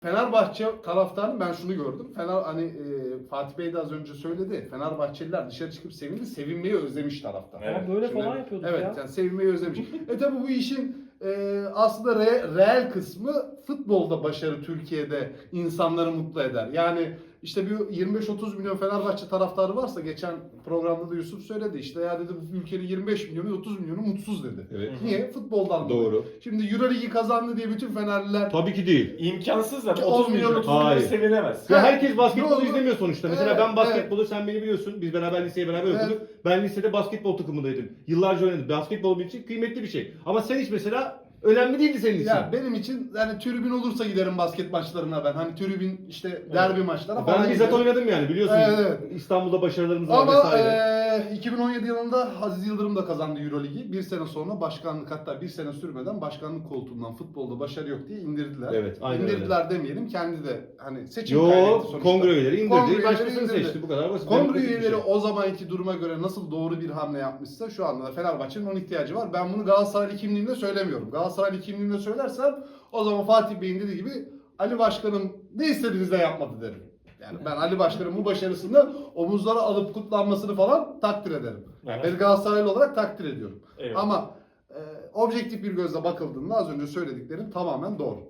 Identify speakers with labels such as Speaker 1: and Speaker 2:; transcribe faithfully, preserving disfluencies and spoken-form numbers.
Speaker 1: Fenerbahçe taraftarı ben şunu gördüm. Fener hani e, Fatih Bey de az önce söyledi. Fenerbahçeliler dışarı çıkıp sevindi. Sevinmeyi özlemiş taraftar.
Speaker 2: Evet.
Speaker 3: Ama böyle
Speaker 1: Şimdi-
Speaker 3: falan yapıyorduk
Speaker 1: Evet
Speaker 3: ya.
Speaker 1: yani sevinmeyi özlemiş. e tabi bu işin e, aslında re, reel kısmı futbolda başarı Türkiye'de insanları mutlu eder. Yani işte bir yirmi beş otuz milyon Fenerbahçe taraftarı varsa geçen programda da Yusuf söyledi işte ya dedi bu ülkenin yirmi beş milyonu otuz milyonu mutsuz dedi.
Speaker 2: Evet.
Speaker 1: Niye? Futboldan dolayı.
Speaker 2: Doğru.
Speaker 1: Şimdi Euroligi kazandı diye bütün Fenerliler
Speaker 2: Tabii ki değil.
Speaker 4: İmkansız zaten.
Speaker 1: Ki
Speaker 4: otuz milyon
Speaker 1: olmayacak.
Speaker 4: otuz milyon
Speaker 2: Hayır.
Speaker 4: sevinemez.
Speaker 2: Ya
Speaker 1: Ha,
Speaker 2: herkes basketbolu
Speaker 1: doğru.
Speaker 2: izlemiyor sonuçta. Mesela
Speaker 1: Evet,
Speaker 2: ben basketbolu sen beni biliyorsun. Biz beraber liseye beraber
Speaker 1: Evet.
Speaker 2: okuduk. Ben lisede basketbol takımındaydım. Yıllarca oynadım. Basketbol benim için kıymetli bir şey. Ama sen hiç mesela önemli değildi senin için.
Speaker 1: Ya benim için yani tribün olursa giderim basket maçlarına ben. Hani tribün işte derbi maçlarına falan
Speaker 2: Ben bizzat
Speaker 1: giderim.
Speaker 2: oynadım yani biliyorsun.
Speaker 1: Evet, evet.
Speaker 2: İstanbul'da başarılarımız var
Speaker 1: Ama
Speaker 2: vesaire.
Speaker 1: eee iki bin on yedi yılında Aziz Yıldırım da kazandı Euroligi. Bir sene sonra başkanlık hatta bir sene sürmeden başkanlık koltuğundan futbolda başarı yok diye indirdiler.
Speaker 2: Evet, aynen
Speaker 1: İndirdiler demeyelim kendi de hani seçim
Speaker 2: Yo,
Speaker 1: kaybetti sonuçta.
Speaker 2: kongre üyeleri
Speaker 1: Kongre
Speaker 2: indirdi.
Speaker 1: üyeleri
Speaker 2: Başkasını
Speaker 1: indirdi.
Speaker 2: seçti. Bu kadar basit.
Speaker 1: Kongre
Speaker 2: demokratik bir
Speaker 1: üyeleri
Speaker 2: şey.
Speaker 1: o zamanki duruma göre nasıl doğru bir hamle yapmışsa şu anda da Fenerbahçe'nin onun ihtiyacı var. Ben bunu Galatasaray kimliğimde söylemiyorum. Galatasaray kimliğimde söylersem o zaman Fatih Bey'in dediği gibi Ali Başkanım ne istediğinizde yapmadı derim. Yani ben Ali Başkan'ın bu başarısını omuzlara alıp kutlanmasını falan takdir ederim. Yani
Speaker 4: Evet.
Speaker 1: ben Galatasaraylı olarak takdir ediyorum.
Speaker 4: Evet.
Speaker 1: Ama e, objektif bir gözle bakıldığında az önce söylediklerim tamamen doğru.